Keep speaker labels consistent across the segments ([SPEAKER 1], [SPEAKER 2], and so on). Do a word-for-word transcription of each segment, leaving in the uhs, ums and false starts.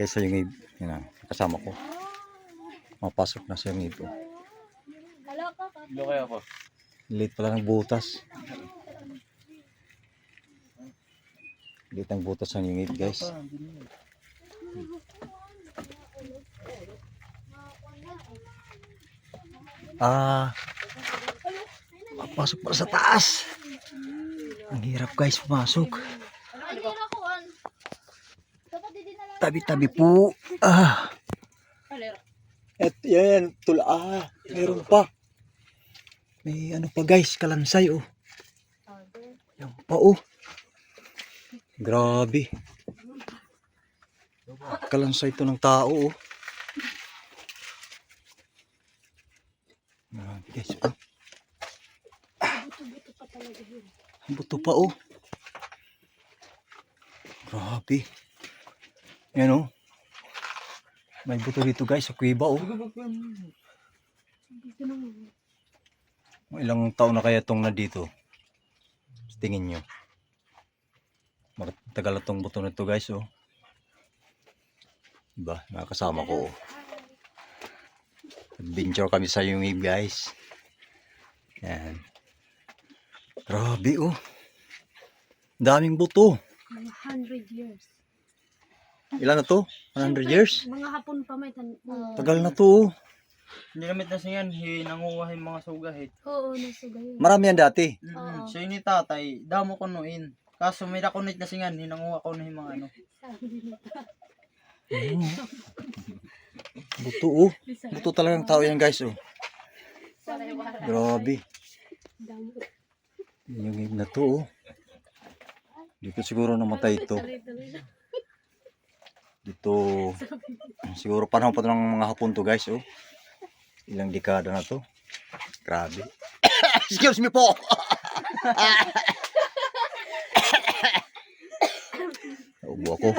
[SPEAKER 1] Guys, sa yung yun na, kasama ko. Mapasok na sa yung ito.
[SPEAKER 2] Ilo kaya po.
[SPEAKER 1] Late pala ng butas. Late ang butas ng yung guys. Ah, pasok pala sa taas. Ang hirap guys, pumasok. Tabi-tabi po. Ah. Et yan, tula. Ah, meron pa. May ano pa guys, kalansay oh. Yan pa oh. Grabe. Kalansay to ng tao oh. Grabe guys oh. Ang buto pa oh. Grabe. Yan oh. May buto dito guys sa kuweba oh. Ilang taon na kaya itong na dito? Tingin nyo. Matagal na itong buto na ito guys oh. Diba? Nakakasama ko oh. Adventure kami sa yung guys. Yan. Grabe oh. Daming buto.
[SPEAKER 3] one hundred years.
[SPEAKER 1] Ilan na to? one hundred years?
[SPEAKER 3] Mga hapon pa may tan. Uh,
[SPEAKER 1] Tagal na to oh.
[SPEAKER 2] Nilamit na siya yan, hinangungahin mga sugahit.
[SPEAKER 3] Oo, nasugay.
[SPEAKER 1] Marami yan dati.
[SPEAKER 2] Mm
[SPEAKER 3] Oo.
[SPEAKER 2] -hmm. Siya ni tatay, damo ko noin. Kaso may nakunit na siya yan, hinangunga ko na yung mga ano.
[SPEAKER 1] Oh. Buto oh. Buto talagang tao yan guys oh. Grabe. Yung ibig na to oh. Dito siguro namatay ito. Dito siguro panahon pa ito ng mga hapon to guys oh. Ilang dekada na to. Grabe. Excuse me po. Naubo ako.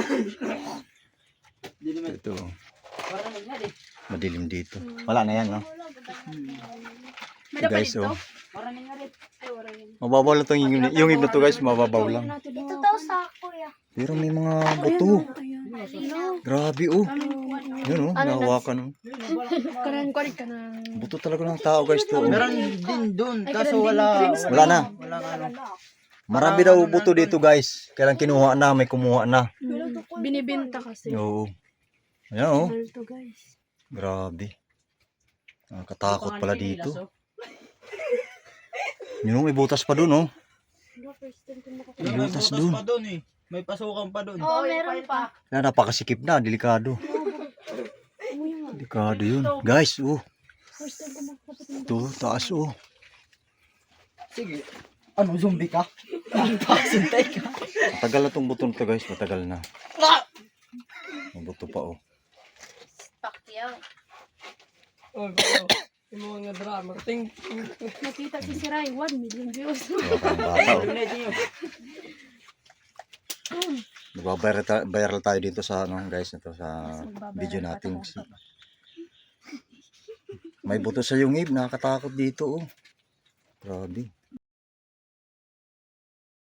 [SPEAKER 1] Ito. Madilim dito. Wala na yan no. Ito guys oh. Mababaw lang itong yung, yung ibig na to guys. Mababaw lang.
[SPEAKER 3] Ito daw sa kuya.
[SPEAKER 1] Pero may mga buto. Grabe oh. Yun oh. Nahawakan oh.
[SPEAKER 3] Kanan ko rin ka na.
[SPEAKER 1] Buto talaga ng tao guys to.
[SPEAKER 2] Meron din doon, kaso wala.
[SPEAKER 1] Wala na.
[SPEAKER 2] Wala ano.
[SPEAKER 1] Marami daw buto dito guys. Kailang kinuha na, may kumuha na.
[SPEAKER 3] Binibenta kasi.
[SPEAKER 1] Oo. Ayan oh.
[SPEAKER 3] Mahal to guys.
[SPEAKER 1] Grabe. Nakakatakot pala dito. Yun oh, may butas pa dun oh. May
[SPEAKER 2] May
[SPEAKER 1] butas
[SPEAKER 2] butas
[SPEAKER 1] dun.
[SPEAKER 2] pa doon eh. May pasukan pa doon.
[SPEAKER 3] Oo, meron pa.
[SPEAKER 1] Kaya napakasikip na, delikado. Delikado yun. Guys, oh. Ito, taas oh.
[SPEAKER 2] Sige. Ano, zombie ka? Pasintay ka.
[SPEAKER 1] Matagal na tong buto nito guys, matagal na. May buto pa oh.
[SPEAKER 3] Pacquiao.
[SPEAKER 4] Oh, yung mga drama. Ting,
[SPEAKER 3] Nakita si si Rai, one million views.
[SPEAKER 1] Wala kang bata oh. Nagbabayral ta- viral tayo dito sa ano guys, ito sa video natin. May buto sa yung ib, nakakatakot dito oh. Grabe.